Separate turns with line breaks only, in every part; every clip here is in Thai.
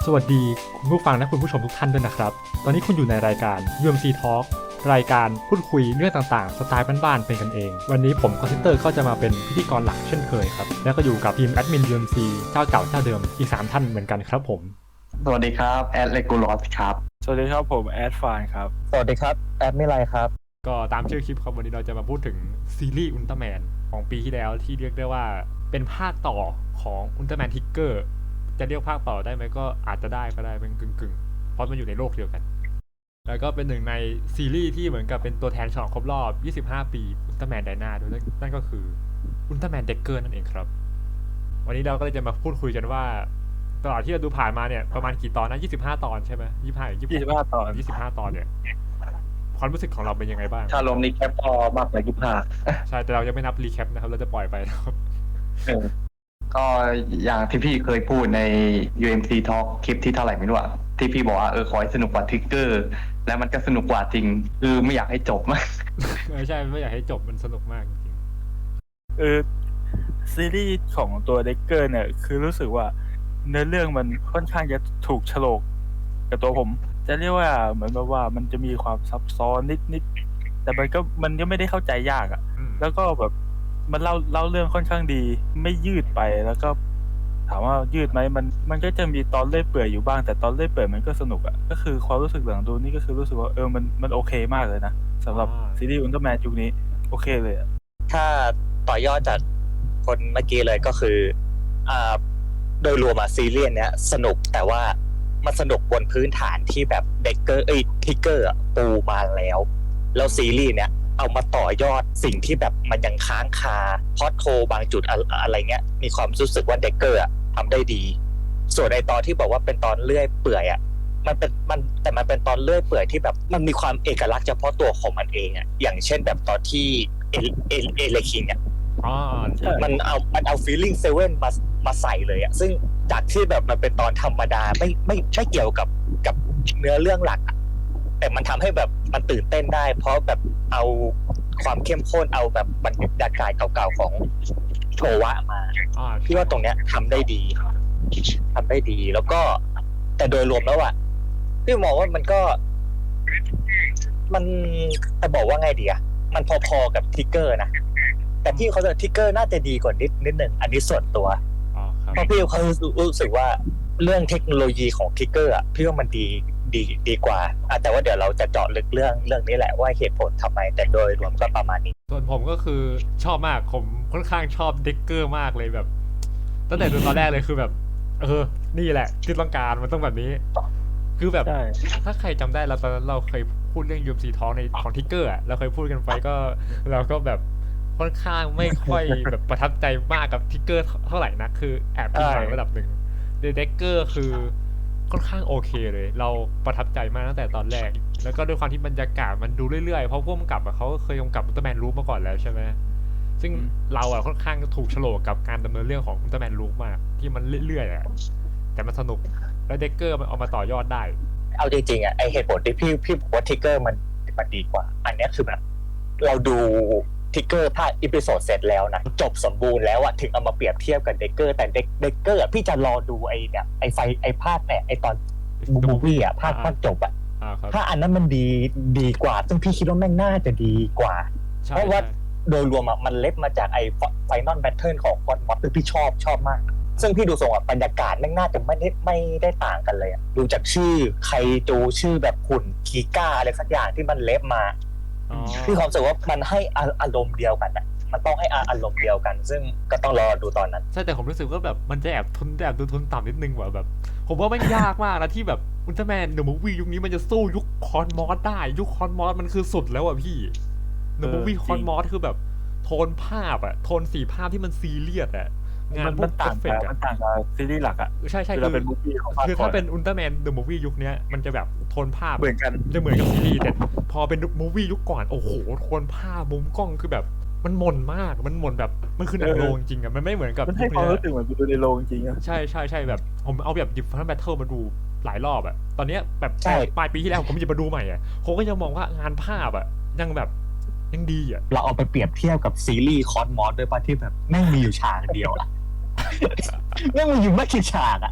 สวัสดีคุณผู้ฟังและคุณผู้ชมทุกท่านด้วยนะครับ ตอนนี้คุณอยู่ในรายการ UMC Talk รายการพูดคุยเรื่องต่างๆสไตล์บ้านๆเป็นกันเอง วันนี้ผมคอนเทนเตอร์ก็จะมาเป็นพิธีกรหลักเช่นเคยครับ แล้วก็อยู่กับทีมแอดมิน UMC เจ้าเก่าเจ้าเดิมอีก3ท่านเหมือนกันครับผม
สวัสดีครับแอดเลกูลอสครับ
สวัสดีครับผมแอดฟานครับ
สวัสดีครับแอดมิไลครับ
ก็ตามชื่อคลิปครับวันนี้เราจะมาพูดถึงซีรีส์อุลตร้าแมนของปีที่แล้วที่เรียกได้ว่าเป็นภาคต่อของอุลตร้าแมนทิกเกอร์จะเรียกภาคต่อได้ไหมก็อาจจะได้ก็ได้เป็นกึ่งๆเพราะมันอยู่ในโลกเดียวกันแล้วก็เป็นหนึ่งในซีรีส์ที่เหมือนกับเป็นตัวแทนฉลองครบรอบ25 ปีอุลตร้าแมนไดนาด้วยนั่นก็คืออุลตร้าแมนเด็กเกอร์นั่นเองครับวันนี้เราก็เลยจะมาพูดคุยกันว่าตลอดที่เราดูผ่านมาเนี่ยประมาณกี่ตอนนะ25 ตอนใช่ไหม
25 ตอน
25 ตอนเนี่ยความรู้สึกของเราเป็นยังไงบ้าง
ถ้ารวมรีแคปก็มากกว่า25
ใช่แต่เรายังไม่นับรีแคปนะครับเราจะปล่อยไปนะครับ
ก็อย่างที่พี่เคยพูดใน UMC Talk คลิปที่เท่าไหร่ไม่รู้อะที่พี่บอกว่าขอให้สนุกกว่าทริกเกอร์แล้วมันก็สนุกกว่าจริงคือไม่อยากให้จบมาก
ใช่ไม่อยากให้จบมันสนุกมากจริง
ซีรีส์ของตัวเด็กเกอร์เนี่ยคือรู้สึกว่าเนื้อเรื่องมันค่อนข้างจะถูกโฉลกกับตัวผมจะเรียกว่าเหมือนแบบว่ามันจะมีความซับซ้อนนิดแต่มันก็ไม่ได้เข้าใจยากอ่ะแล้วก็แบบมันเล่าเรื่องค่อนข้างดีไม่ยืดไปแล้วก็ถามว่ายืดไหมมันก็จะมีตอนเลื่อยเปื่อยอยู่บ้างแต่ตอนเลื่อยเปื่อยมันก็สนุกอ่ะก็คือความรู้สึกหลังดูนี่ก็คือรู้สึกว่ามันโอเคมากเลยนะสำหรับซีรีส์อุลตร้าแมนยุคนี้โอเคเลยอ่ะ
ถ้าต่อยอดจากคนเมื่อกี้เลยก็คืออ่าโดยรวมซีรีส์เนี้ยสนุกแต่ว่ามันสนุกบนพื้นฐานที่แบบเด็กเกอร์ทิกเกอร์ปูมาแล้วซีรีส์เนี้ยเอามาต่อยอดสิ่งที่แบบมันยังค้างคาพอดโคบางจุดอะไรเงี้ยมีความรู้สึกว่าเด็กเกอร์ทำได้ดีส่วนในตอนที่บอกว่าเป็นตอนเลื่อยเปื่อยมันเป็นตอนเลื่อยเปื่อยที่แบบมันมีความเอกลักษณ์เฉพาะตัวของมันเองอย่างเช่นแบบตอนที่เอเลคิงมันเอา feeling 7มาใส่เลยซึ่งจากที่แบบมันเป็นตอนธรรมดาไม่เกี่ยวกับเนื้อเรื่องหลักแต่มันทำให้แบบมันตื่นเต้นได้เพราะแบบเอาความเข้มข้นเอาแบบบรรยากาศเก่าๆของโชวะมาพี่ว่าตรงเนี้ยทำได้ดีแล้วก็แต่โดยรวมแล้วพี่มองว่ามันก็มันจะบอกว่าไงดีมันพอๆกับทิกเกอร์นะแต่พี่เขาจะทิกเกอร์น่าจะดีกว่านิดหนึ่งอันนี้ส่วนตัวเพราะพี่เขารู้สึกว่าเรื่องเทคโนโลยีของทิกเกอร์พี่ว่ามันดีกว่าแต่ว่าเดี๋ยวเราจะเจาะลึกเรื่องนี้แหละว่าเหตุผลทำไมแต่โดยรวมก็ประมาณนี้
ส่วนผมก็คือชอบมากผมค่อนข้างชอบเด็กเกอร์มากเลยแบบตั้งแต่ดูตอนแรกเลยคือแบบนี่แหละที่ต้องการมันต้องแบบนี้คือแบบถ้าใครจำได้เราตอนนั้นเราเคยพูดเรื่อง UMC Talk ในของทิกเกอร์เราเคยพูดกันไปก็เราก็แบบค่อนข้างไม่ค่อยแบบประทับใจมากกับทิกเกอร์เท่าไหร่นะคือแอบผิดหวังระดับหนึ่งเด็กเกอร์คือค่อนข้างโอเคเลยเราประทับใจมากตั้งแต่ตอนแรกแล้วก็ด้วยความที่บรรยากาศมันดูเรื่อยๆเพราะพวกมันกลับเขาเคยกำกับอุลตร้าแมนรูปมาก่อนแล้วใช่ไหมซึ่งเราค่อนข้างถูกโฉลกกับการดำเนินเรื่องของอุลตร้าแมนรูปมากที่มันเรื่อยๆแต่มันสนุกแล้วเด็กเกอร์มันเอามาต่อยอดได้
เอาจริงๆไอเหตุผลที่พี่บอกว่าทิกเกอร์มันดีกว่าอันนี้คือแบบเราดูทิกเกอร์ภาคอีพิโซดเสร็จแล้วนะจบสมบูรณ์แล้วถึงเอามาเปรียบเทียบกับเด็กเกอร์แต่เด็กเกอร์พี่จะรอดูไอภาคเนี่ยไอตอนมูวี่ภาคจบถ้าอันนั้นมันดีกว่าซึ่งพี่คิดว่าแม่งน่าจะดีกว่าเพราะว่าโดยรวมมันเล็บมาจากไอไฟนอลแบทเทิลของคอนมอสซึ่งพี่ชอบมากซึ่งพี่ดูทรงบรรยากาศแม่งน่าจะไม่ได้ต่างกันเลยดูจากชื่อใครดูชื่อแบบหุ่นคีก้าอะไรสักอย่างที่มันเล็บมาพี่ความรู้สึกว่ามันให้อารมณ์เดียวกันมันต้องให้อารมณ์เดียวกันซึ่งก็ต้องรอดูตอนนั้น
ใช่แต่ผมรู้สึกว่าแบบมันจะแอบดูทุนต่ำนิดนึงว่ะแบบผมว่ามันยากมากนะที่แบบอุลตร้าแมนเดอะมูฟวี่ยุคนี้มันจะสู้ยุคคอนมอสได้ยุคคอนมอสมันคือสุดแล้วพี่เดอะมูฟวี่คอนมอสคือแบบโทนภาพโทนสีภาพที่มันซีเรียสงาน
มันต่างกับซีรีส์หลัก
ใช่คือถ้าเป็นอุลตร้าแมนเดอะมูฟวี่ยุคนี้มันจะแบบโทนภาพ
เหมือนกัน
จะเหมือนกับซีรีส์แต่พอเป็นมูฟวี่ยุคก่อนโอ้โหโทนภาพมุมกล้องคือแบบมันหม่นมากมันหม่นแบบมันคือหนังโรงจริงมันไม่เหมือนกับ
มันให้ความรู้สึกเหมือนดูในโรงจริง
ใช่แบบผมเอาแบบดิฟฟันแบทเทิลมาดูหลายรอบตอนนี้แบบปลายปีที่แล้วผมจะมาดูใหม่ผมก็ยังมองว่างานภาพยังแบบยังดี
เราเอาไปเปรียบเทียบกับซีรีส์คอสมอสด้วยป่ะที่แบบแม่งมีอยู่ฉากเดียวแม่งมีอยู่ไม่กี่ฉาก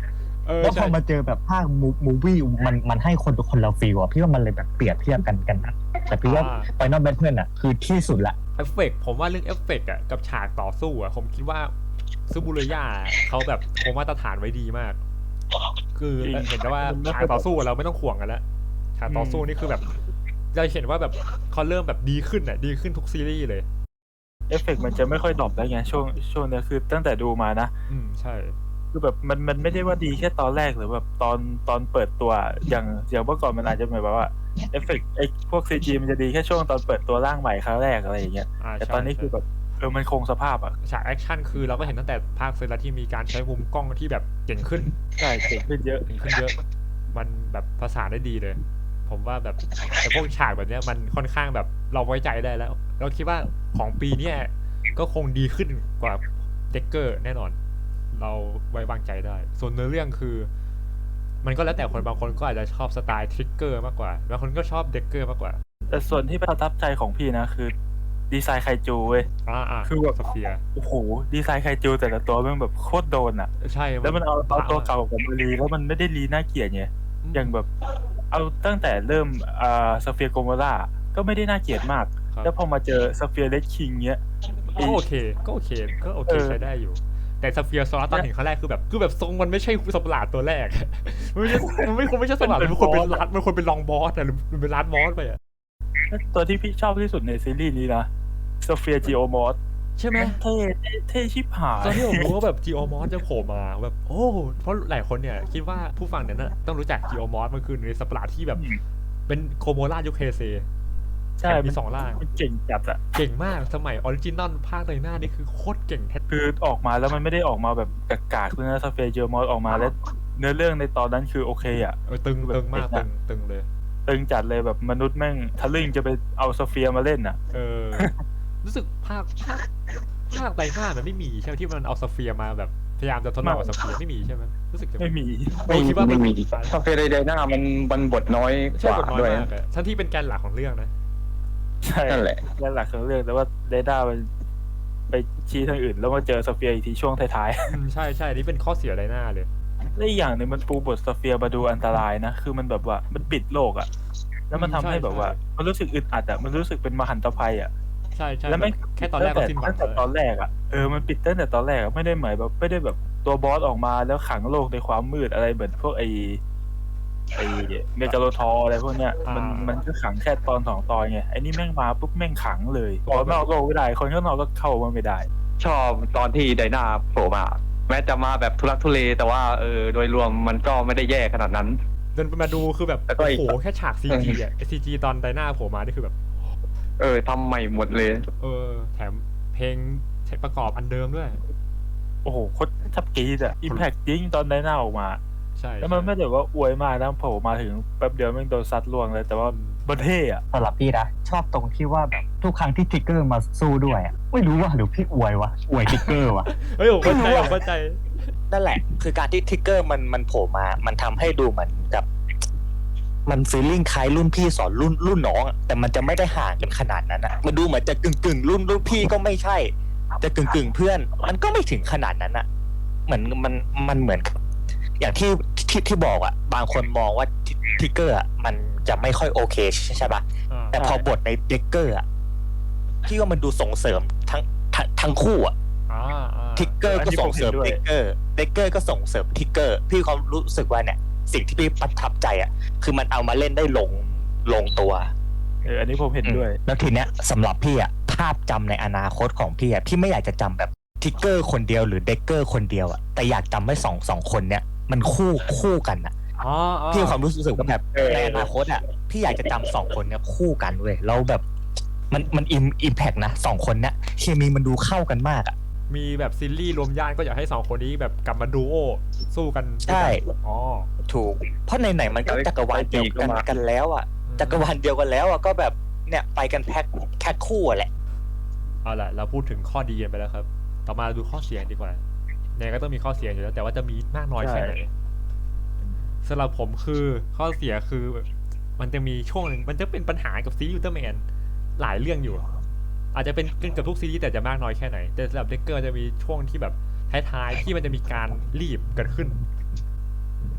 แล้วพ
ใช่
อมาเจอแบบภาคมูวี่มันให้คนละฟีลอะพี่ว่ามันเลยแบบเปรียบเทียบกันนะแต่พี่ว่า Final Battle อะคือที่สุดละ
เอฟเฟกต์ผมว่าเรื่องเอฟเฟกต์อ่ะกับฉากต่อสู้อ่ะผมคิดว่าซูบูเรย่าเขาแบบคงมาตรฐานไว้ดีมาก คือเห็นได้ว่าฉากต่อสู้เราไม่ต้องห่วงกันแล้วฉากต่อสู้นี่คือแบบจะเห็นว่าแบบเขาเริ่มแบบดีขึ้นอ่ะดีขึ้นทุกซีรีส์เลย
เอฟเฟกต์มันจะไม่ค่อยดรอปแล้วไงช่วงเนี้ยคือตั้งแต่ดูมานะ
ใช่
คือแบบมันไม่ได้ว่าดีแค่ตอนแรกหรือแบบตอนเปิดตัวอย่างเมื่อก่อนมันอาจจะเหมือนแบบว่าเอฟเฟกต์ไอ้พวกซีจีมันจะดีแค่ช่วงตอนเปิดตัวร่างใหม่ครั้งแรกอะไรอย่างเงี้ยแต่
ใช่
ตอนนี้คือแบบมันคงสภาพอ่ะ
ฉากแอคชั่นคือเราก็เห็นตั้งแต่ภาคเซอร์แล้วที่มีการใช้มุมกล้องที่แบบเก่งขึ้น
ใช่เก่งขึ้นเยอะ
เก่งขึ้นเยอะ มันแบบภาษานได้ดีเลย ผมว่าแบบแต่พวกฉากแบบเนี้ยมันค่อนข้างแบบเราไว้ใจได้แล้วเราคิดว่าของปีเนี้ยก็คงดีขึ้นกว่าเด็กเกอร์แน่นอน เราไว้วางใจได้ ส่วนเนื้อเรื่องคือ มันก็แล้วแต่คนบางคนก็อาจจะชอบสไตล์ทริกเกอร์มากกว่าบางคนก็ชอบเด็กเกอร์มากกว่า
แต่ส่วนที่ประทับใจของพี่นะคือดีไซน์ไคจูเว้ย คือแบบ
สเฟียร์
โอ้โหดีไซน์ไคจูแต่ละตัวมันแบบโคตรโดนอ่ะ
ใช่
แล้วมันเอาตัวเก่ากับมารีแล้วมันไม่ได้รีน่าเกลียดไงอย่างแบบเอาตั้งแต่เริ่มสเฟียร์โกโมล่าก็ไม่ได้น่าเกลียดมาก แล้วพอมาเจอสเฟียร์เลดคิงเนี้ย
ก็โอเคใช้ได้อยู่ แต่สเฟียร์โซลาร์ตอนเห็นครั้งแรกคือแบบทรงมันไม่ใช่สัตว์ประหลาดตัวแรก มันไม่ควรไม่ใช่สัตว์ประหลาดมันควรเป็นรัดมันควรเป็นลองบอสอะหรือเป็นรัดบอสไปอะ
ตัวที่พี่ชอบที่สุดในซีรีส์นี้นะโซเฟียจีโอมอส
ใช่ไหม
เท่ชิบหาย
ตอนที่ผมรู้ว่าแบบจีโอมอสจะโผล่มาแบบโอ้เพราะหลายคนเนี่ยคิดว่าผู้ฟังเนี่ยต้องรู้จักจีโอมอสมันคือในสัตว์ประหลาดที่แบบเป็นโคโมล่ายุคเฮเซ
ใช่
มีสองร่าง
มันเก่งจัดอะ
เก่งมากสมัยออริจินอลภาคในหน้านี่คือโคตรเก่งแท้
คือออกมาแล้วมันไม่ได้ออกมาแบบกากๆคือนะโซเฟียจีโอมอสออกมาแล้วเนื้อเรื่องในตอนนั้นคือโอเคอะ
ตึงมากตึงเลย
ตึงจัดเลยแบบมนุษย์แม่งทะลึ่งจะไปเอาโซเฟียมาเล่นอ่ะ
รู้สึกภาคไดนามันไม่มีใช่ไหมที่มันเอาสเฟียร์มาแบบพยายามจะทดลองกับสเฟียร์ไม่มีใช่ไหมรู้สึกจะ
ไม่มี
คิดว่า
ไม่มีคาเฟ่ไดหน้ามันบทน้อยก
ใช่
ว่า
บทน้อย
ด้วย
มากอะทั้งที่เป็นแกนหลักของเรื่องนะ
ใช่
นั่นแหละ
นั่นหลักของเรื่องแต่ว่าเดด้ามันไปชี้ทางอื่น แล้วมาเจอโซเฟียอีกทีช่วงท้าย
ใช่นี่เป็นข้อเสียไดนาเลย
ๆและอีกอย่างหนึ่งมันปูบทโซเฟียมาดูอันตรายนะ คือมันแบบว่ามันปิดโลกอ่ะ แล้วมันทำให้แบบว่า มันรู้สึกอึดอัดอ่ะมันรู้สึกเป็นมหันตภัยอ่ะ
ใช่
แล้วไม่
แค่ตอนแรกก็สิ้นหวัง
ตั้งแต่ตอนแรกอ่ะมันปิดตั้งแต่ตอนแรกอะไม่ได้หมายแบบไม่ได้แบบตัวบอสออกมาแล้วขังโลกในความมืดอะไรเหมือนพวกไอเมกาโลทอร์อะไรพวกเนี้ยมันก็ขังแค่ตอน2 ตอนไงไอ้นี่แม่งมาปุ๊บแม่งขังเลยออกนอกโลกไม่ได้คนข้างนอกก็เข้ามาไม่ได้
ชอบตอนที่ไดนาโผล่มา แม้จะมาแบบทุลักทุเล แต่ว่าโดยรวมมันก็ไม่ได้แย่ขนาดนั้น
เดินมาดูคือแบบ
แล้วก็
โอ้
อีก
โหแค่ฉากซีจีอะซีจีตอนไดนาโผล่มานี่คือแบบ
ทำใหม่หมดเลย
แถมเพลงประกอบอันเดิมด้วย
โอ้โหโคตรทับกรีดอะอิมแพคจริงตอนไดนาออกมา
ใช่
แล้วมันไม่ได้ว่าอวยมากนะโผล่มาถึงแป๊บเดียวแม่งโดนซัดล่วงเลย แต่ว่าบันเท่อะ
สำหรับพี่นะชอบตรงที่ว่าแบบทุกครั้งที่ทริกเกอร์มาสู้ด้วยอะไม่รู้ว่าหรือพี่อวยวะอวยทริกเกอร์วะ
เฮ้ยผมเข้าใจ
นั่นแหละ คือการที่ทริกเกอร์มันโผล่มา มันทำให้ดูเหมือนกับมันฟีลลิ่งคล้ายรุ่นพี่สอนรุ่นน้องอะแต่มันจะไม่ได้ห่างกันขนาดนั้นอะมันดูเหมือนจะกึ่งรุ่นพี่ก็ไม่ใช่จะกึ่งเพื่อน มันก็ไม่ถึงขนาดนั้นอะเหมือนมันเหมือนกับอย่างที่บอกอะบางคนมองว่าทริกเกอร์อะมันจะไม่ค่อยโอเคใช่ปะแต่พอบทในเด็กเกอร์อะที่ว่ามันดูส่งเสริมทั้งคู่อะทิกเกอร์ก็ส่งเสริมเด็กเกอร์ก็ส่งเสริมทิกเกอร์พี่ความรู้สึกว่าเนี่ยสิ่งที่พี่ประทับใจอ่ะคือมันเอามาเล่นได้ลงตัว
อันนี้ผมเห็นด้วย
แล้วทีเนี้ยสำหรับพี่อ่ะภาพจำในอนาคตของพี่อ่ะพี่ไม่อยากจะจำแบบทิกเกอร์คนเดียวหรือเด็กเกอร์คนเดียวอ่ะแต่อยากจำให้สองคนเนี้ยมันคู่กันอ่ะพี่มีความรู้สึกว่าแบบในอนาคตอ่ะพี่อยากจะจำ2 คนเนี้ยคู่กันเว้ยแล้วแบบมันอิมแพกนะ2 คนเนี้ยเคมีมันดูเข้ากันมากอ่ะ
มีแบบซีรีส์รวมญาติก็อยากให้2 คนนี้แบบกลับมาดูโอสู้กัน
ใช่
ถูก
เพราะไหนมันก็จักรวาลเดียวกันแล้วอ่ะจักรวาลเดียวกันแล้วอ่ะก็แบบเนี่ยไปกันแพ็คคู่แหละ
เอาล่ะเราพูดถึงข้อดีกันไปแล้วครับ ต่อมาดูข้อเสียดีกว่าเนี่ยก็ต้องมีข้อเสียอยู่แล้วแต่ว่าจะมีมากน้อยแค่ไหนสำหรับผมคือข้อเสียคือมันจะมีช่วงนึงมันจะเป็นปัญหากับซีรีส์อุลตร้าแมนหลายเรื่องอยู่อาจจะเป็นกับทุกซีรีส์แต่จะมากน้อยแค่ไหนแต่สำหรับเด็กเกอร์จะมีช่วงที่แบบท้ายๆที่มันจะมีการรีบเกิดขึ้น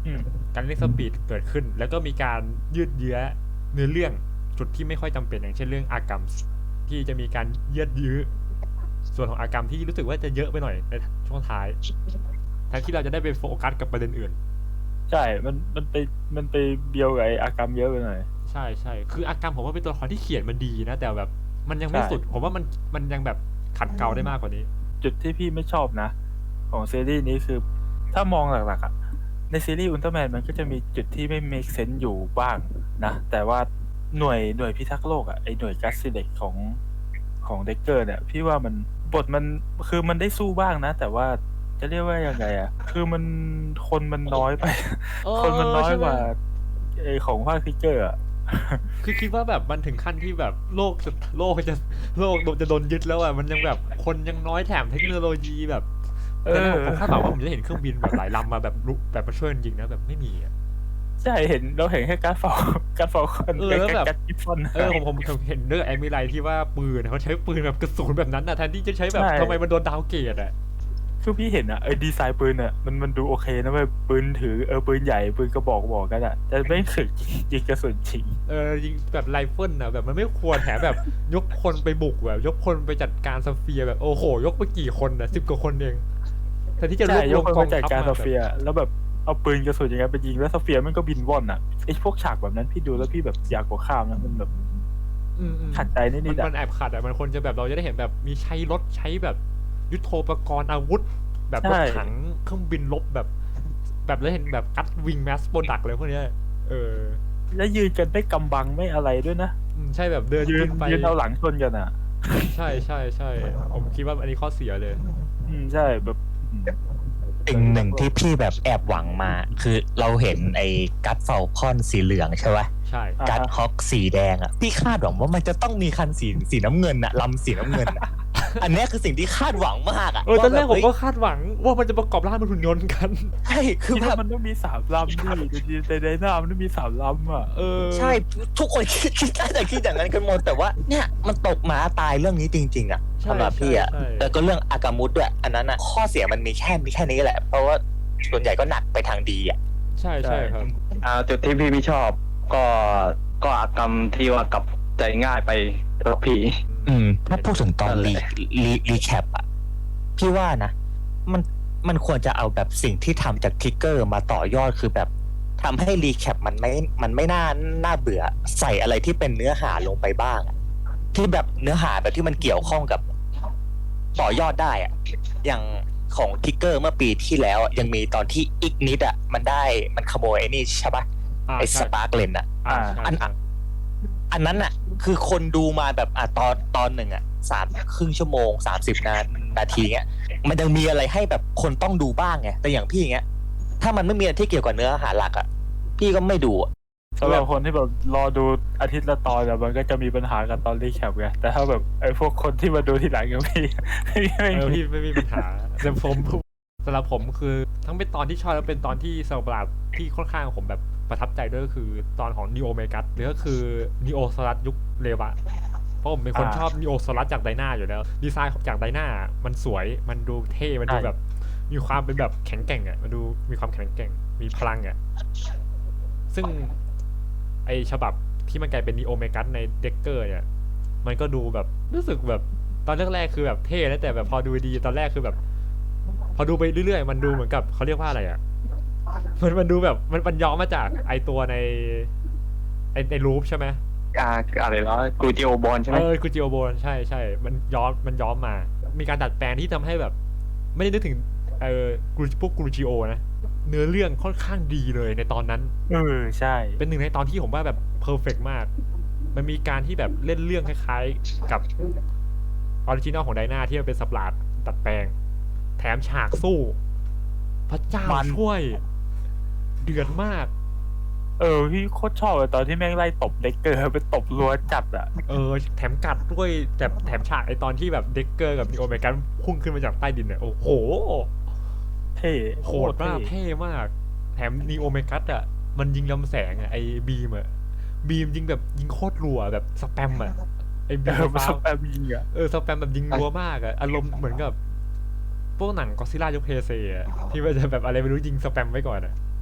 อืม
การเร่งสปีดเกิดขึ้น แล้วก็มีการยืดเยื้อเนื้อเรื่องจุดที่ไม่ค่อยจำเป็นอย่างเช่นเรื่องอากรรมที่จะมีการยืดยื้อส่วนของอากรรมที่รู้สึกว่าจะเยอะไปหน่อยในช่วงท้ายแทนที่เราจะได้ไปโฟกัสกับประเด็นอื่น
ใช่ มันไปเบียวกับไอ้อากรรมเยอะไปหน่อย
ใช่ใช่คืออากรรมผมว่าเป็นตัวละครที่เขียนมันดีนะ แต่แบบมันยังไม่
ใช่
สุด ผมว่ามันยังแบบขัดเกลาได้มากกว่านี้
จุดที่พี่ไม่ชอบนะ ของซีรีส์นี้คือ ถ้ามองหลักๆอะในซีรีส์อุลตร้าแมนมันก็จะมีจุดที่ไม่ make sense อยู่บ้างนะ แต่ว่าหน่วยพิทักษ์โลกอะไอหน่วยกัสซิเด็กของเด็กเกอร์เนี่ย พี่ว่ามันบทมันคือมันได้สู้บ้างนะ แต่ว่าจะเรียกว่ายังไงอะคือคนมันน้อยไป
เออ
คนมันน้อย
ใช่ไหม
กว่าไอของภาคทิกเกอร์อะ
คือคิดว่าแบบมันถึงขั้นที่แบบโลกจะโดนยึดแล้วอ่ะมันยังแบบคนยังน้อยแถมเทคโนโลยีแบบแต่ในผมคาดหวังว่าผมจะเห็นเครื่องบินแบบหลายลำมาแบบลุกแบบมาช่วยจริงๆนะแบบไม่มีอ่ะ
ใช่เราเห็นแค่การ์ดฟอลคอน
แล้วแบบ
การ์ดกิฟฟอน
ผมเห็นเรื่องแอมิไลที่ว่าปืนเขาใช้ปืนแบบกระสุนแบบนั้นนะแทนที่จะใช้แบบ
ใช่
ทำไมมันโดนดาวเกรดอ่ะ
คือพี่เห็นอะไอ้ดีไซน์ปืนอะมันดูโอเคนะเว้ยปืนถือปืนใหญ่ปืนกระบอกกันอะแต่ไม่ถึงยิงกระสุนจริง
ยิงแบบไรเฟิลนะแบบมันไม่ควรแถมแบบยกคนไปบุกแบบยกคนไปจัดการสเฟียร์แบบโอ้โห ยกไปกี่คนนะ10 กว่าคนเองแทนที่จะรว
ใช่
บร
ยว ก
ม
คน
กอ
มาง จัด
ทัพ
การ
มา
โซ
แบบ
เฟียแล้วแบบเอาปืนกระสุนอย่างเงี้ยไปยิงแล้วโซเฟียมันก็บินว่อนอะไอ้พวกฉากแบบนั้นพี่ดูแล้วพี่แบบอยากกดข้ามนะมันแบบ
อืม
ขัดใจนิ
มั
ดๆอะ
มันแอบขัดอ่ะมันควรจะแบบเราจะได้เห็นแบบมีใช้รถใช้แบบยุทโธปกรณ์อาวุธ แบบรถถังเครื่องบินรบแบบแล้วเห็นแบบกัดวิงแมสโปรดักเลยพวกเนี้ยอ
แล้วยืนกันไม่กำบังไม่อะไรด้วยนะ
ใช่แบบเดิน
ยืน
ขึ้นไป
เอาหลังชนกันอะ
ใช่ผมคิดว่าอันนี้ข้อเสียเลย
ใช่แบบ
สิ่งหนึ่งที่พี่แบบแอบหวังมา คือเราเห็นไอ้กัดเฟลคอนสีเหลืองใช่ไหม
ใช่
อ่า
กัดฮอกสีแดงอ่ะพี่คาดหวังว่ามันจะต้องมีคันสีน้ำเงินอะลำสีน้ำเงินอะ อันเนี้ยคือสิ่งที่คาดหวังมากอะ
ตอนแรกผม
ว่า
ก็
บบ
คาดหวังว่ามันจะประกอบร่างเป็นหุ่นยนต์กัน
ใช่คือ
คิด
แบ
ว่า
บ
มันต้องมี3 ลำดิในไดนามันต้องมี3 ลำอะ
ใช่ทุกคนคิดน่าจะคิดอย่างนั้นกันหมดแต่ว่าเนี่ยมันตกหมาตายเรื่องนี้จริงๆอะ
ใช่
สำหรับพี่อะ
ใช่
แล้วก็เรื่องอากามุดด้วยอันนั้นอะข้อเสียมันมีแค่นี้แหละ เพราะว่าส่วนใหญ่ก็หนักไปทางดีอะ
ใช่ครับ
จุดที่พี่ไม่ชอบก็อากรรมที่ว่ากลับใจง่ายไปกับพี่
ถ้าพูดถึงตอน
นั่นแหละ
รีแคปอะพี่ว่านะ มันควรจะเอาแบบสิ่งที่ทำจากทิกเกอร์มาต่อยอดคือแบบทำให้รีแคปมันไม่น่าเบื่อ ใส่อะไรที่เป็นเนื้อหาลงไปบ้างอะที่แบบเนื้อหาแบบที่มันเกี่ยวข้องกับต่อยอดได้อะอย่างของทิกเกอร์เมื่อปีที่แล้วอะยังมีตอนที่อีกนิดอะมันขโมยไอ้นี่ใช่ปะไอ้สปาร์กเลนอะ
ใช่
อันนั้นน่ะ คือคนดูมาแบบตอนหนึ่งอ่ะ3 ครึ่งชั่วโมง30 นาทีเงี้ยมันยังมีอะไรให้แบบคนต้องดูบ้างไงแต่อย่างพี่เงี้ยถ้ามันไม่มีอะไรที่เกี่ยวกับเนื้อหาหลักอ่ะพี่ก็ไม่ดูอะ
สำหรับคนที่แบบรอดูอาทิตย์ละตอนอะมันก็จะมีปัญหากับตอนรีแคปไงแต่ถ้าแบบไอ้พวกคนที่มาดูทีหลังอย่างพี่
พี่ไม่มีปัญหาแต่สำหรับผมคือทั้งเป็นตอนที่ชอบและเป็นตอนที่สำหรับที่ค่อนข้างผมแบบประทับใจด้วยก็คือตอนของนีโอเมกัสหรือก็คือนีโอสลัดยุคเลวะเพราะผมเป็นคนชอบนีโอสลัดจากไดนาอยู่แล้วดีไซน์จากไดนามันสวยมันดูเท่มันดูแบบมีความเป็นแบบแข็งแกร่งอ่ะมันดูมีความแข็งแกร่งมีพลังอ่ะซึ่งไอฉบับที่มันกลายเป็นนีโอเมกัสในเด็กเกอร์เนี่ยมันก็ดูแบบรู้สึกแบบตอนแรกๆคือแบบเท่นะแต่แบบพอดูดีตอนแรกคือแบบพอดูไปเรื่อยๆมันดูเหมือนกับเขาเรียกว่าอะไรอ่ะมันดูแบบมันย้อมมาจากไอตัวในรูปใช่ไหม
อะไรแล้วกูจิโอบอลใช่ไหม
กูจิโอโบนใช่มันย้อมมา มีการดัดแปลงที่ทำให้แบบ ไม่ได้นึกถึงพวกกรูจิโอนะเนื้อเรื่องค่อนข้างดีเลยในตอนนั้น
ใช่
เป็นหนึ่งในตอนที่ผมว่าแบบเพอร์เฟกมาก มันมีการที่แบบเล่นเรื่องคล้ายๆกับออริจินอลของไดนาที่มันเป็นสับหลาดดัดแปลง แถมฉากสู้ พระเจ้าช่วย เดือดมาก
พี่โคตรชอบเลยตอนที่แม่งไล่ตบเด็กเกอร์ไปตบรัวจัดอ่ะ
แถมกัดด้วยแต่แถมฉากไอตอนที่แบบเด็กเกอร์กับนีโอเมกันพุ่งขึ้นมาจากใต้ดินเนี่ยโอ้โห
เท่
โหดมากเท่มาก แถมนีโอเมกัสอ่ะมันยิงลำแสงอ่ะไอบีมยิงแบบยิงโคตรรัวแบบสแปมอ่ะไอบีม
มาสแปมยิงอ่ะ
สแปมแบบยิงรัวมากอ่ะอารมณ์เหมือนกับพวกหนังก็ซิล่ายกเพเซอ่ะที่มันจะแบบอะไรไม่รู้ยิงสแปมไว้ก่อนอ่ะ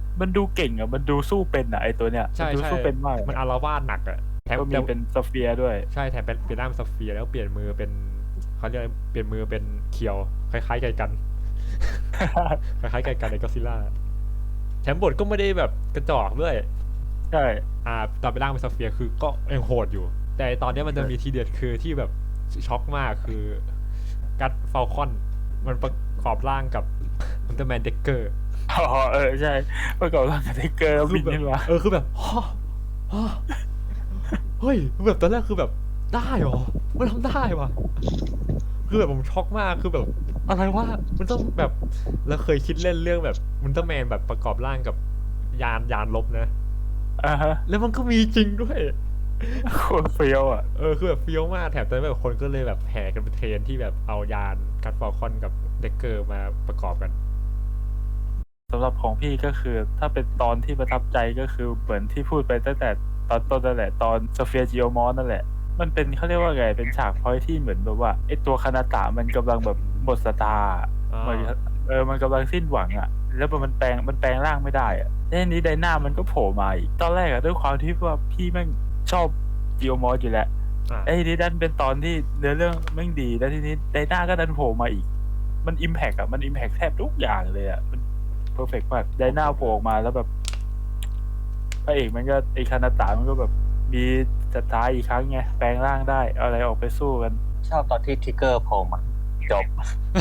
มันดูเก่งอ่ะมันดูสู้เป็นอ่ะไอตัวเนี้ย
ใช่
มันดู
ใช่
สู้เป็นมาก
มันอารวาสหนักอะแถม
ก็มีเป็นโซเฟียด้วย
ใช่แถมเป็นเปลี่ยนหน้าเป็นสเฟียร์แล้วเปลี่ยนมือเป็นเขาเรียกอะไรเปลี่ยนมือเป็นเคียวคล้ายๆไกกัน คล้ายๆไกกันในก็ซิล่าแถมบทก็ไม่ได้แบบกระจอกด้วย
ใช่
ตอนไปร่างเป็นสเฟียร์คือก็ยังโหดอยู่ แต่ตอนเนี้ยมันจะมีทีเด็ดคือที่แบบช็อกมากคือกัดฟาลคอนมันประกอบร่างกับอุลตร้าแมนเด็กเกอร์
อ๋อใช่ประกอบร่างกับไทเกอร์แล้วบินขึ้นมา
คือแบบฮะเฮ้ยแบบตอนแรกคือแบบได้เหรอมันทำได้วะคือแบบผมช็อกมากคือแบบอะไรวะมันต้องแบบแล้วเคยคิดเล่นเรื่องแบบอุลตร้าแมนแบบประกอบร่างกับยานลบนะ
อ่าฮะ
แล้วมันก็มีจริงด้วย
โคตรเฟี้ยวอ่ะ
คือแบบเฟี้ยวมากแถมตอนนั้นแบบคนก็เลยแบบแห่กันไปเทรนที่แบบเอายานกัดฟอลคอนกับเด็กเกอร์มาประกอบกัน
สำหรับของพี่ก็คือถ้าเป็นตอนที่ประทับใจก็คือเหมือนที่พูดไปตั้งแต่ตอนต้นนั่นแหละตอนโซเฟียจิโอมอสนั่นแหละ มันเป็นเขาเรียกว่าไงเป็นฉากพอยที่เหมือนแบบว่าไอตัวคานาตะมันกำลังแบบหมดสตาร์
อ่า
เหมือนมันกำลังสิ้นหวังอ่ะ แล้วมันแปลงร่างไม่ได้อ่ะแล้วทีนี้ไดนามันก็โผล่มาอีกตอนแรกอ่ะด้วยความที่ว่าพี่แม่งชอบจิโอมอสอยู่แล้ว
อ่า
ไอ้ทีนี้ดันเป็นตอนที่เนื้อเรื่องแม่งดีแล้วทีนี้ไดนาก็ดันโผล่มาอีก มันอิมแพกอะมันอิมแพกแทบทุกอย่างเลยอะมันเพอร์เฟกมากไดนาโผล่ออกมาแล้วแบบพระเอกมันก็ไอคานาตะมันก็แบบมีสตาร์อีกครั้งไงแปลงร่างได้เอาอะไรออกไปสู้กัน
ชอบตอนที่ทิกเกอร์โผล่มาจบ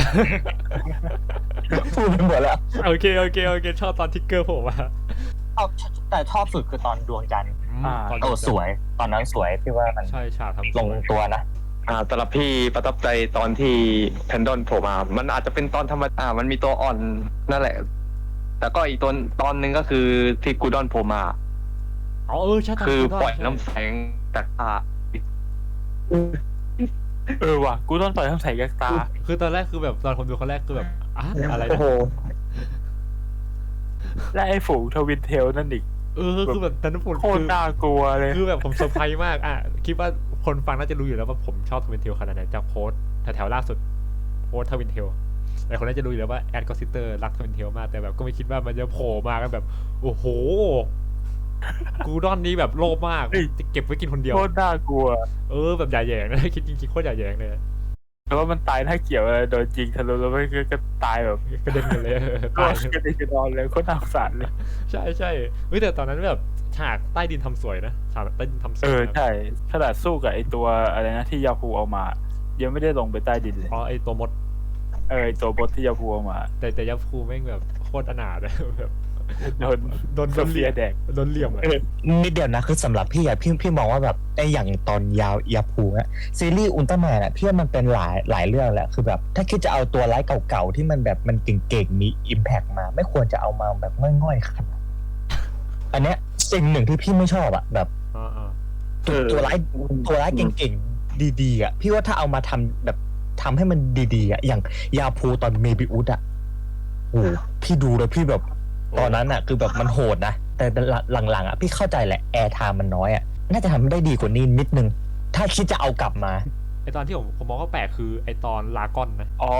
พูดไปหมดแล้ว
โอเคชอบตอนทิกเกอร์โผล่มา
แต่ชอบสุดคือตอนดวงจันทร์
ตอน
โอ้สวย ตอนนั้นสวยพี่ว่ามัน
ใช่ฉากทำ
ลงตัวนะ
สำหรับพี่ประทับใจตอนที่แพนดอนโผล่มา มันอาจจะเป็นตอนธรรมดามันมีตัวอ่อนนั่นแหละ แต่ก็อีกตอนหนึ่งก็คือที่กูดอนโผล่มา
อ๋อใช่ตอน
คือ
กูด
ปล่อย
ใช่
น้ำแสงจากตา
ว่ะกูต้องต่อยทั้งใส่ยักษ์ตา
คือตอนแรกคือแบบตอนผมดูคนแรกคือแบบอะไร
โอ้
นะ
โห
และไอ้ฝูงทวินเทลนั่นอีก
คือแบบตอนนั้นผม
โคตรน่ากลัวเลย
คือแบบผมเซอร์ไพรส์มากคิดว่าคนฟังน่าจะรู้อยู่แล้วว่าผมชอบทวินเทลขนาดไหนจากโพสต์แถวๆล่าสุดโพสต์ทวินเทลแต่คนน่าจะรู้อยู่แล้วว่าแอดกอซิสเตอร์รักทวินเทลมากแต่แบบก็ไม่คิดว่ามันจะโผล่มากันแบบโอ้โหกูดอนนี้แบบโลภมากจะเก็บไว้กินคนเดียว
โคตรน่ากลัว
แบบอย่าแหยงนะ คิดจริงๆโคตรอย่าแหยงเลย
แต่ว่ามันตายถ้าเกี่ยวอะไรโดนยิงทะลุแล้วมันก็ตายแบบ
กระเด็นกันเลย
ตา
ตาย
ยกระเด็นกระดอนเลยโคตรน่าสงสารเลย
ใช่เฮ้ยแต่ตอนนั้นแบบฉากใต้ดินทำสวยนะฉากใต้ดินทำสวยนะ
ใช่ขนาดสู้กับไอตัวอะไรนะที่ยาพูเอามา ยังไม่ได้ลงไปใต้ดินเลย
อ๋อไอตัวมด
ไอตัวบทที่ยาพูเอามา
แต่ยับคูแม่งแบบโคตรอนาถเลยแบบ
โดน
โดน
โซ
เห
เฟี
ลี่
ย
ยม
แดก
โดนเหลี่ยมอะ
นิดเดียวนะคือสำหรับพี่อะพี่มองว่าแบบไอ้อย่างตอนยาพูอะซีรีส์อุลตร้าแมนอะพี่ว่ามันเป็นหลายเรื่องแหละคือแบบถ้าคิดจะเอาตัวร้ายเก่าๆที่มันแบบมันเก่งๆมีอิมแพกมา ไม่ควรจะเอามาแบบง่อยๆขนาดนั้นอันเนี้ยสิ่งหนึ่งที่พี่ไม่ชอบอะแบบ
อ่า
ตัวร้ายเก่งๆดีๆอะพี่ว่าถ้าเอามาทำแบบทำให้มันดีๆอะอย่างยาพูตอนเมบิอุสอะโอ้โหพี่ดูแล้วพี่แบบตอนนั้นอะคือแบบมันโหดนะแต่หลังๆอะพี่เข้าใจแหละแอร์ไทม์มันน้อยอะน่าจะทำได้ดีกว่านี้นิดนึง ถ้าคิดจะเอากลับมา
ไอตอนที่ผมมองว่าแปลกคือไอตอนลากอนนะ
อ๋อ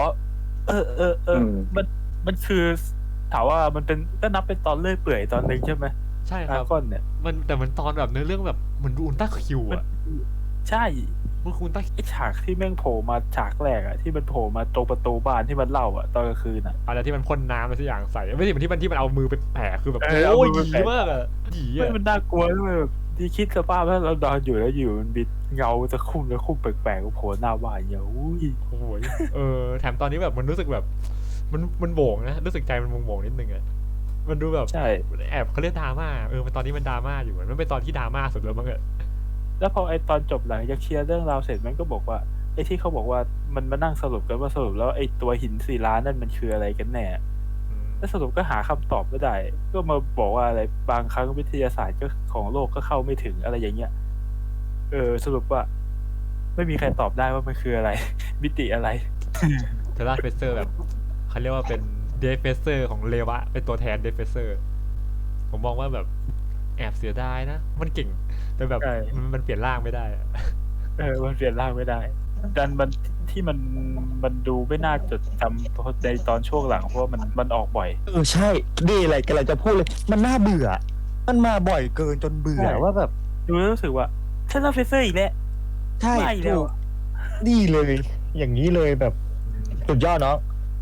มันคือถามว่ามันเป็นก็นับเป็นตอนเลื่อยเปื่อยตอนหนึ่งใช่ไหม
ใช่ค
อา
รับ
ก้อนเนี่ย
แต่มันตอนแบบเนื้อเรื่องแบบเหมือนดูอุลตร้าคิว
มัน
อะ
ใช่
มันคืออุลตร้า
ไอฉากที่แม่งโผล่มาฉากแรกอะที่มันโผล่มาตรงประตูบ้านที่มันเล่าอะตอนกลางคืนอะ
อะไรที่มันพ่นน้ำอะไรสักอย่างใส่ไม่ใช่มันที่มันเอามือไปแปะคือแบบ
เอา
โอ้ย
มือ
ห
ไป
ยี
แปะ
มากอะหยี
ไม่
อะ
มันน่ากลัวด้วยแบบที่คิดสภาพถ้าเรานอนอยู่แล้วอยู่มันมีเงาจะคุ้มแปลกๆโผล่หน้าบ้านอย่างอุ้ย
โอ้โหแถมตอนนี้แบบมันรู้สึกแบบมันโบ่งนะรู้สึกใจมันโบ่งๆนิดนึงอะมันดูแบบ
ใช่
แอบเขาเรียกดราม่ามันตอนนี้มันดราม่าอยู่มันเป็นตอนที่ดราม่าสุดแล้วมั้งอะ
แล้วพอไอตอนจบหลังจากเคลียร์เรื่องราวเสร็จมันก็บอกว่าไอที่เขาบอกว่ามันมานั่งสรุปกันว่าสรุปแล้วไอตัวหินศิลานั่นมันคืออะไรกันแน่แล้วสรุปก็หาคำตอบไม่ได้ ก็มาบอกว่าอะไรบางครั้งวิทยาศาสตร์ก็ของโลกก็เข้าไม่ถึงอะไรอย่างเงี้ยสรุปว่า ไม่มีใครตอบได้ว่ามันคืออะไร มิติอะไร
เทราเฟเซอร์แบบเขาเรียกว่าเป็นเดฟเฟเซอร์ของเลวะเป็นตัวแทนเดฟเฟเซอร์ผมมองว่าแบบแอบเสียดายนะ มันเก่งแต่แบบ
ใช่
มันเปลี่ยนร่างไม่ได้อะ
มันเปลี่ยนร่างไม่ได้ดันมันที่มันดูไม่น่าจดจำเพราะในตอนช่วงหลังเพราะว่ามันออกบ่อย
ใช่นี่อะไรกำลังจะพูดเลย มันน่าเบื่อ มันมาบ่อยเกินจนเบื่อ
ใช่
ว่าแบบ
ดูแล้วรู้สึกว่าฉันรับเฟเซอร์อีกแล้ว
ใช่
ไม่แล้ว
ถูกนี่เลย อย่างนี้เลยแบบสุดยอดเนาะ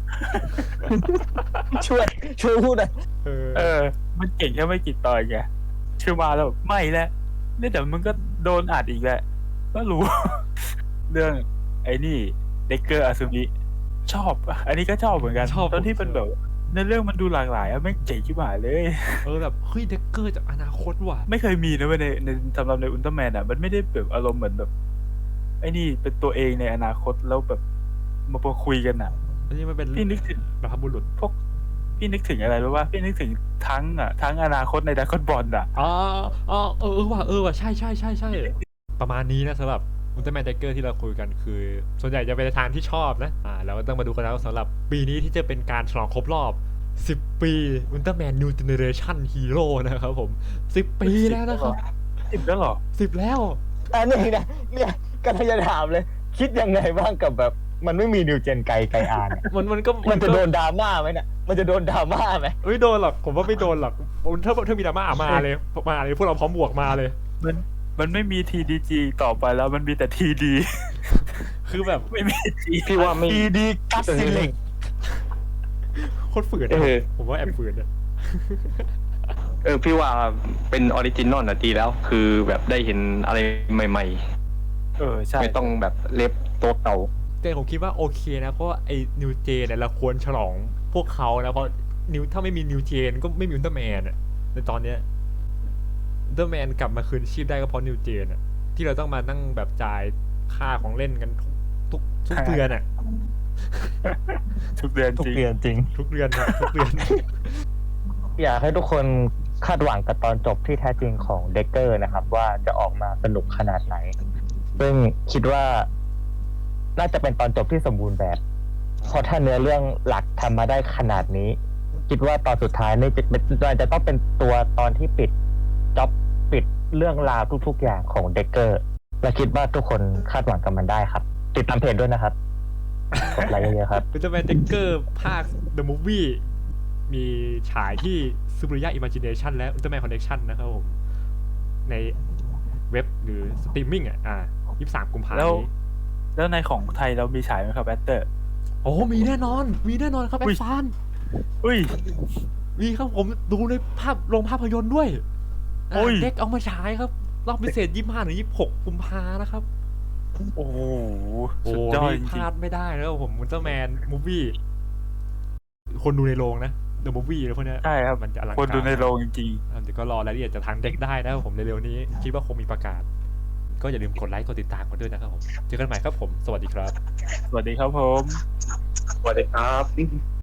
ช่วยพูดหน่อย
มันเก่งแค่ไม่กี่ตอนไงชื่อมาแล้วแบบไม่แล้วเนี่ยเดี๋ยวมึงก็โดนอัดอีกแหละก็รู้ เรื่องไอ้นี่เด็กเกอร์อาซึมิชอบ อันนี้ก็ชอบเหมือนกัน
ชอบ
ตอนที่มันแบบในเรื่องมันดูหลากหลายอะไม่งเจ๋งชิบหายเลย
แบบเฮ้ยเด็กเกอร์จากอนาคตว่ะ
ไม่เคยมีนะเว้ยในสำหรับในอุลตร้าแมนอ่ะมันไม่ได้แบบอารมณ์เหมือนแบบ ไอ้นี่เป็นตัวเองในอนาคตแล้วแบบมาคุยกันอ่ะ
อันนี้มันเป็น
พี่นึกถึง
บรรพบุรุษ
พี่นึกถึงอะไรรู้ป่ะพี่นึกถึงทั้งอนาคตในดราก้อนบอลอ่ะ
ว่ะใช่ประมาณนี้นะสำหรับอุลตร้าแมนเด็กเกอร์ที่เราคุยกันคือ ส่วนใหญ่จะเป็นในทางที่ชอบนะเราก็ต้องมาดูกันแล้วสำหรับปีนี้ที่จะเป็นการฉลองครบรอบ 10 ปีอุลตร้าแมนนิวเจเนเรชั่นฮีโร่นะครับผม 10 ปีแล้วนะครับ
10แล้วเหรอ
10 แล้ว
อันนี้นะเนี่ยกำลังจะถามเลย คิดยังไงบ้างกับแบบ มันไม่มีนิวเจนไกอ่านอะ
มันก็
มันจะโดนดราม่าไหมเนี่ยมันจะโดนดราม่าไหม
ไม่โดนหรอกผมว่าไม่โดนหรอกถ้ามีดราม่ามาเลยพวกเราพร้อมบวกมาเลย
มันไม่มี TDG ต่อไปแล้วมันมีแต่ TD
คือแบบ
ไม่มี G
พี่ว่าไม่
ดีกัสซิเล็ก
โคตรฝืนนะผมว่าแอบฝืนนะ
พี่ว่าเป็นออริจินอลนะดีแล้ว คือแบบได้เห็นอะไรใหม่
ใช่
ๆ ไม่ต้องแบบเล็บตัวเก่า
แต่ผมคิดว่าโอเคนะเพราะว่าไอ้นิวเจนเนี่ยเราควรฉลองพวกเขานะเพราะถ้าไม่มีนิวเจนก็ไม่มีอุลตร้าแมนอะในตอนเนี้ยอุลตร้าแมนกลับมาคืนชีพได้ก็เพราะนิวเจนอะที่เราต้องมานั่งแบบจ่ายค่าของเล่นกันทุกเดือนอะ
ทุกเดือน
ทุก
จริง
เดือนจริง
ทุกเดือนทุกเดือน
อยากให้ทุกคนคาดหวังกับตอนจบที่แท้จริงของเด็กเกอร์นะครับ ว่าจะออกมาสนุกขนาดไหน ซึ่งคิดว่าน่าจะเป็นตอนจบที่สมบูรณ์แบบ เพราะถ้าเนื้อเรื่องหลักทำมาได้ขนาดนี้ คิดว่าตอนสุดท้ายนี่จะต้องเป็นตัวตอนที่ปิดจ็อบปิดเรื่องราวทุกๆอย่างของเด็กเกอร์และคิดว่าทุกคนคาดหวังกับมันได้ครับ ติดตามเพจด้วยนะครับกดไลค์เยอะๆครับ
อุลตร้าแมนเด็กเกอร์ภาค The Movie มีฉายที่ซูเปอร์ยาอิม g จิเนชันและอุลตร้าแมนคอนเนคชั่นนะครับผมในเว็บหรือสตรีมมิ่ง23 กุมภาพันธ์นี้
แล้วในของไทยเรามีฉายไหมครับแอตเตอร์
โอ้มีแน่นอนครับแอ
อุ้ย
ดฟาน
อุ้ย
มีครับผมดูในโรงภาพยนตร์ด้วย
โอ้ย
เด็กเอามาฉายครับ รอบพิเศษ 25 ถึง 26 กุมภานะครับ
โอ้โห
โอ้
สุดยอด
นี่
จ
พ
ริง
ลาดไม่ได้นะครับผมอุลตร้าแมนมูฟวี่คนดูในโรงนะ The Movie แล้วพวกเนี้ย
ๆใช่ครับ
มันจะอลังการ
คนดูในโรงจริง
เดี๋ยวก็รอรายละเอียดจากทางเด็กได้นะครับผมเร็วๆนี้ คิดว่าคงมีประกาศ ก็อย่าลืมกดไลค์กดติดตามกันด้วยนะครับผม เจอกันใหม่ครับผม สวัสดีครับ
ๆ สวัสดีครับผม
สวัสดีครับ